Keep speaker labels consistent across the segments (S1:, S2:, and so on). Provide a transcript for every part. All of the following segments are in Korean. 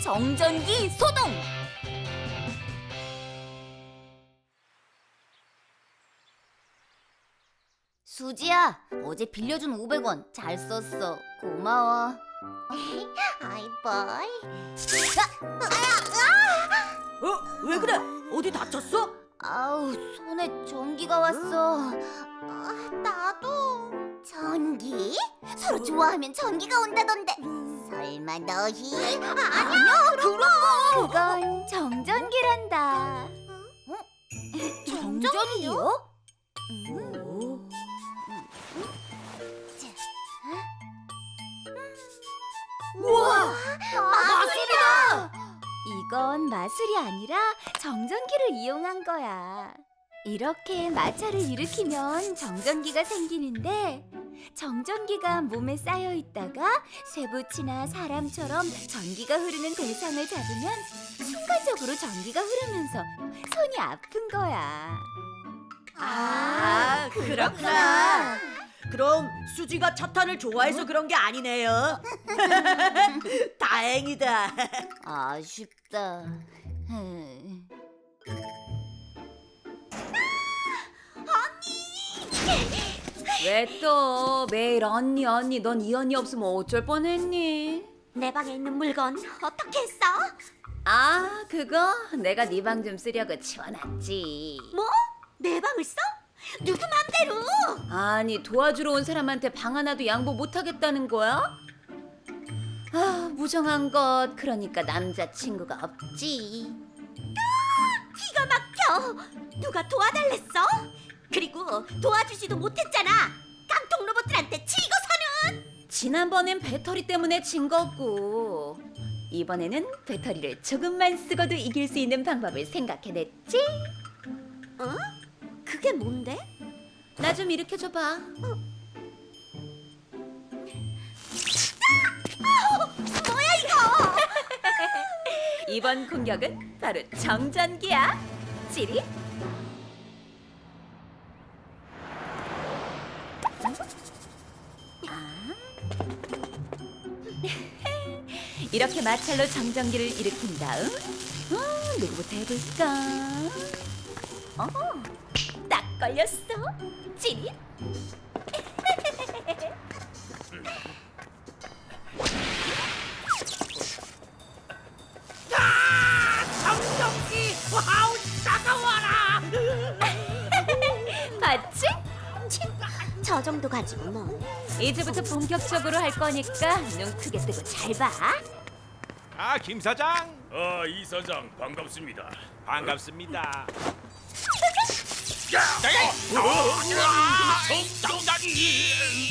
S1: 정전기 소동! 수지야, 어제 빌려준 500원 잘 썼어. 고마워.
S2: 아이 보이.
S3: 왜 그래? 어디 다쳤어?
S1: 아우, 손에 전기가 왔어.
S2: 나도. 전기? 서로 좋아하면 전기가 온다던데. 설마 너희?
S1: 아니야, 그건 정전기란다. 정전기요?
S2: 우와, 마술이다.
S1: 이건 마술이 아니라 정전기를 이용한 거야. 이렇게 마찰을 일으키면 정전기가 생기는데, 정전기가 몸에 쌓여 있다가 쇠붙이나 사람처럼 전기가 흐르는 대상을 잡으면 순간적으로 전기가 흐르면서 손이 아픈 거야.
S3: 그렇구나. 그럼 수지가 차탄을 좋아해서 그런 게 아니네요. 다행이다.
S1: 아쉽다.
S4: 왜 또 매일 언니 넌 이 언니 없으면 어쩔 뻔했니?
S2: 내 방에 있는 물건 어떻게 했어?
S4: 아 그거 내가 네 방 좀 쓰려고 치워놨지.
S2: 뭐? 내 방을 써? 누구 맘대로?
S4: 아니 도와주러 온 사람한테 방 하나도 양보 못하겠다는 거야? 아 무정한 것 그러니까 남자친구가 없지.
S2: 기가 막혀. 누가 도와달랬어? 그리고 도와주지도 못했잖아. 깡통 로봇들한테 치고서는.
S4: 지난번엔 배터리 때문에 진 거고 이번에는 배터리를 조금만 쓰고도 이길 수 있는 방법을 생각해냈지.
S2: 어? 그게 뭔데?
S4: 나 좀 일으켜줘봐.
S2: 뭐야 이거?
S4: 이번 공격은 바로 정전기야. 찌릿. 이렇게 마찰로 정전기를 일으킨 다음 누구부터 해볼까? 딱 걸렸어. 찌릿.
S3: 정전기, 와우, 따가워라.
S4: 봤지?
S2: 저 정도 가지고 뭐.
S4: 이제부터 본격적으로 할 거니까 눈 크게 뜨고 잘 봐.
S5: 아, 김 사장
S6: 이 사장 반갑습니다.
S5: 반갑습니다.
S6: 정장이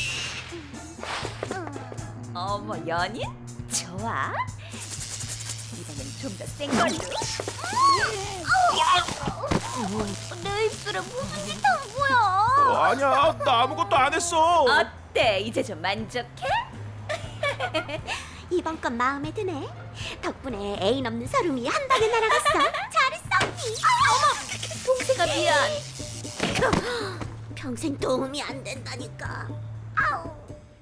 S4: 어머 연인? 좋아. 이번엔 좀 더 센 걸로.
S1: 내 입술에 무슨 짓 한 거야?
S5: 아니야, 나 아무것도 안 했어.
S4: 어때? 이제 좀 만족해?
S2: 이번 건 마음에 드네. 덕분에 애인 없는 서름이 한 방에 날아갔어. 잘했어 언니. 어머,
S4: 동생아 미안.
S2: 평생 도움이 안 된다니까. 아우.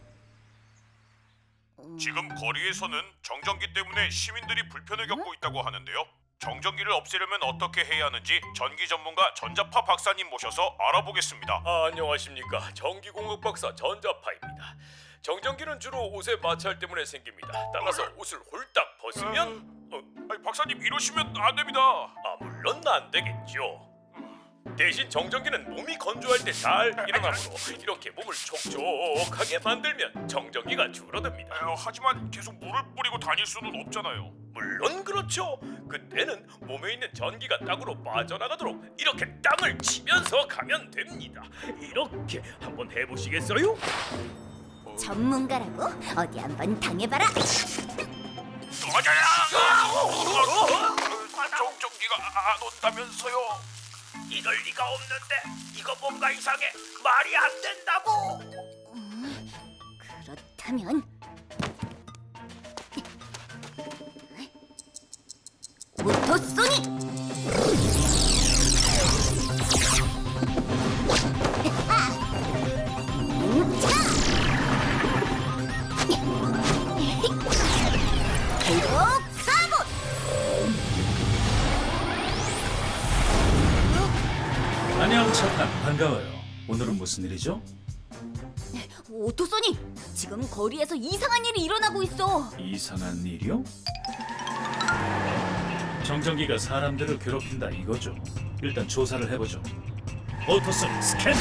S6: 지금 거리에서는 정전기 때문에 시민들이 불편을 겪고 있다고 하는데요. 정전기를 없애려면 어떻게 해야 하는지 전기 전문가 전자파 박사님 모셔서 알아보겠습니다.
S7: 안녕하십니까. 전기공학 박사 전자파입니다. 정전기는 주로 옷의 마찰 때문에 생깁니다. 따라서 옷을 홀딱 벗으면
S6: 아니, 박사님 이러시면 안 됩니다.
S7: 물론 안 되겠죠. 대신 정전기는 몸이 건조할 때 잘 일어나므로 이렇게 몸을 촉촉하게 만들면 정전기가 줄어듭니다.
S6: 하지만 계속 물을 뿌리고 다닐 수는 없잖아요.
S7: 물론 그렇죠. 그때는 몸에 있는 전기가 땅으로 빠져나가도록 이렇게 땅을 치면서 가면 됩니다. 이렇게 한번 해보시겠어요?
S1: 전문가라고? 어디 한번 당해봐라.
S6: 정전기가 안 온다면서요? 이럴 리가 없는데 이거 뭔가 이상해. 말이 안 된다고.
S1: 그렇다면 모토 소닉! 그리고 카본!
S8: 반가워요. 오늘은 무슨 일이죠?
S1: 오토소니, 지금 거리에서 이상한 일이 일어나고 있어.
S8: 이상한 일이요? 정전기가 사람들을 괴롭힌다 이거죠. 일단 조사를 해보죠. 오토소닉 스캔!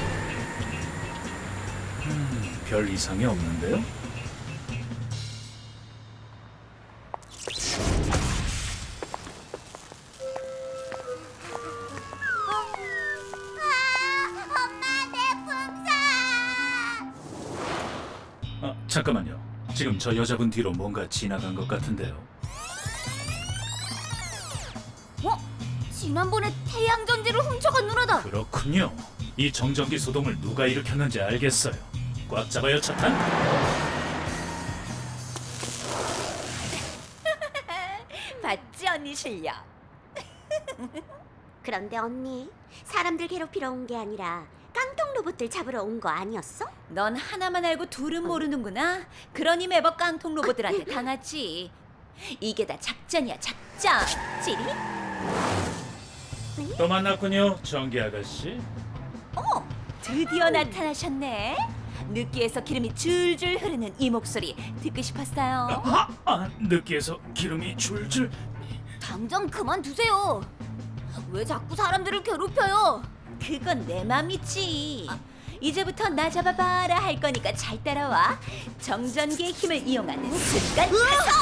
S8: 별 이상이 없는데요?
S2: 엄마 내 풍선.
S8: 아, 잠깐만요. 지금 저 여자분 뒤로 뭔가 지나간 것 같은데요.
S1: 지난번에 태양 전지를 훔쳐간 누나다.
S8: 그렇군요. 이 정전기 소동을 누가 일으켰는지 알겠어요. 꽉 잡아요, 차탄.
S1: 맞지 언니 실력.
S2: 그런데 언니, 사람들 괴롭히러 온 게 아니라 깡통 로봇들 잡으러 온 거 아니었어?
S4: 넌 하나만 알고 둘은 모르는구나. 그러니 매번 깡통 로봇들한테 당하지. 이게 다 작전이야, 작전. 찌리?
S8: 또 만났군요, 전기 아가씨.
S4: 어머, 드디어 나타나셨네. 느끼해서 기름이 줄줄 흐르는 이 목소리 듣고 싶었어요.
S8: 느끼해서 기름이 줄줄.
S1: 당장 그만두세요. 왜 자꾸 사람들을 괴롭혀요?
S4: 그건 내 맘이지. 이제부터 나 잡아봐라 할 거니까 잘 따라와. 정전기의 힘을 이용하는 순간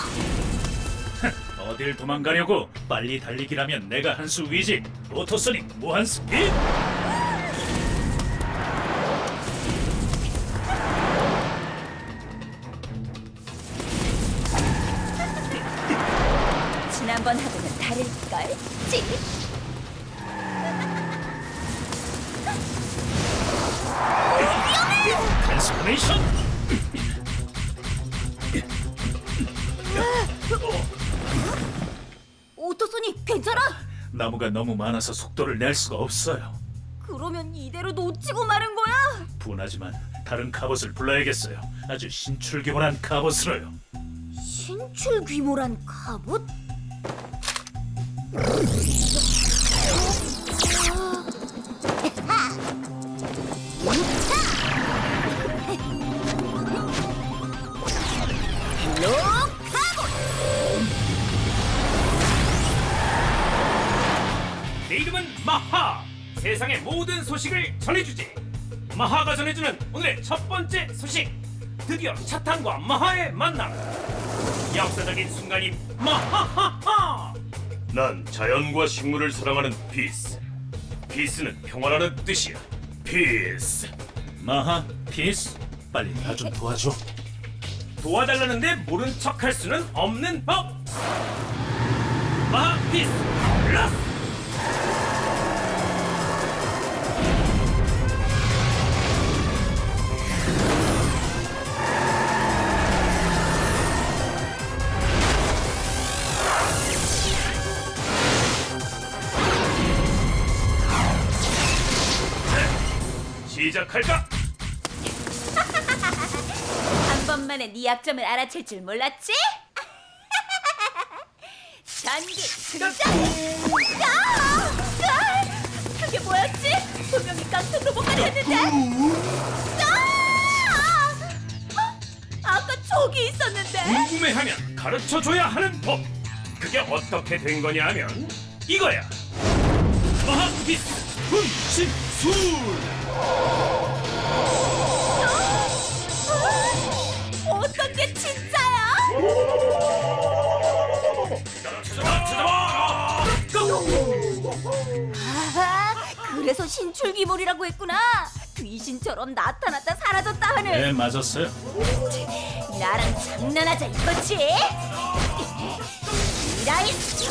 S4: 가서.
S8: 어딜 도망가려고? 빨리 달리기라면 내가 한 수 위지. 오토소닉 무한 스피드.
S4: 지난번하고는 다를걸? 찌리?
S8: 트랜스포메이션.
S1: 오토소니 괜찮아?
S8: 나무가 너무 많아서 속도를 낼 수가 없어요.
S1: 그러면 이대로 놓치고 마는 거야?
S8: 분하지만 다른 갑옷을 불러야겠어요. 아주 신출귀몰한 갑옷으로요.
S1: 신출 귀몰한 갑옷?
S7: 내 이름은 마하. 세상의 모든 소식을 전해주지. 마하가 전해주는 오늘의 첫 번째 소식. 드디어 차탄과 마하의 만남. 역사적인 순간인 마하하하. 난 자연과 식물을 사랑하는 피스. 피스는 평화라는 뜻이야. 피스.
S8: 마하, 피스, 빨리 나 좀 도와줘.
S7: 도와달라는데 모른 척할 수는 없는 법. 마하 피스 플러스. 시작할까?
S4: 한 번만에 네 약점을 알아챌 줄 몰랐지? 전기 등장! 그게 뭐였지? 분명히 깡통 로봇 같았는데? 아까 저기 있었는데?
S7: 궁금해하면 가르쳐줘야 하는 법. 그게 어떻게 된 거냐면 이거야. 마하피스 분신술.
S4: 어떤 게 진짜야?
S1: 그래서 신출귀몰이라고 했구나. 귀신처럼 나타났다 사라졌다 하는.
S8: 네, 맞았어요.
S1: 나랑 장난하자 이거지? 이라이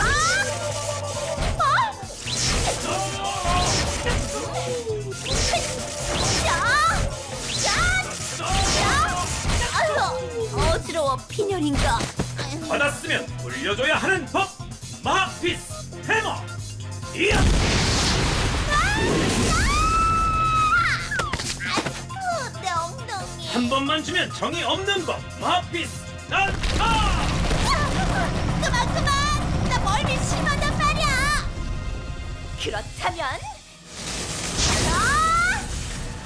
S1: 어지러워 빈혈인가?
S7: 받았으면 돌려줘야 하는 법. 마하피스 해머. 이야.
S1: 내 엉덩이.
S7: 한 번만 주면 정이 없는 법. 마하피스 난타.
S1: 그만 나 멀미 심하단 말이야.
S4: 그렇다면
S1: 아!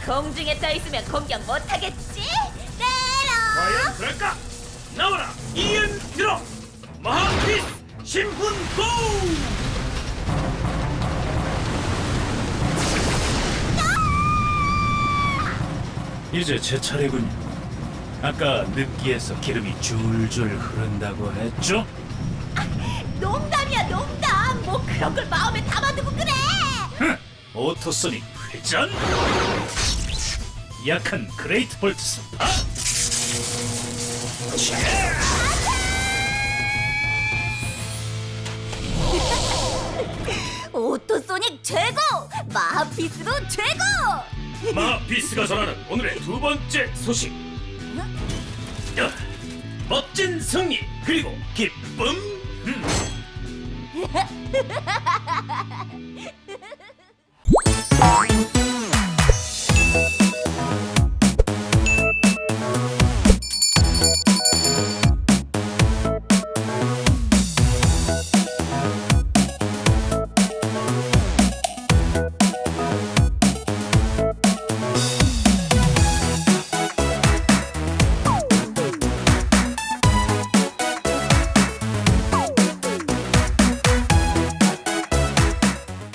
S4: 공중에 떠 있으면 공격 못하겠지?
S7: 과연 그럴까? 나와라 이엔 드럼 마하키스 신분 고!
S8: 이제 제 차례군요. 아까 느끼해서 기름이 줄줄 흐른다고 했죠?
S2: 농담이야 농담. 뭐 그런 걸 마음에 담아두고 그래.
S8: 흥! 오토소닉 회전! 약한 그레이트 볼트 스파!
S2: 오토소닉 최고. 마하피스도 최고.
S7: 마하피스가 전하는 오늘의 두 번째 소식. 멋진 승리 그리고 기쁨.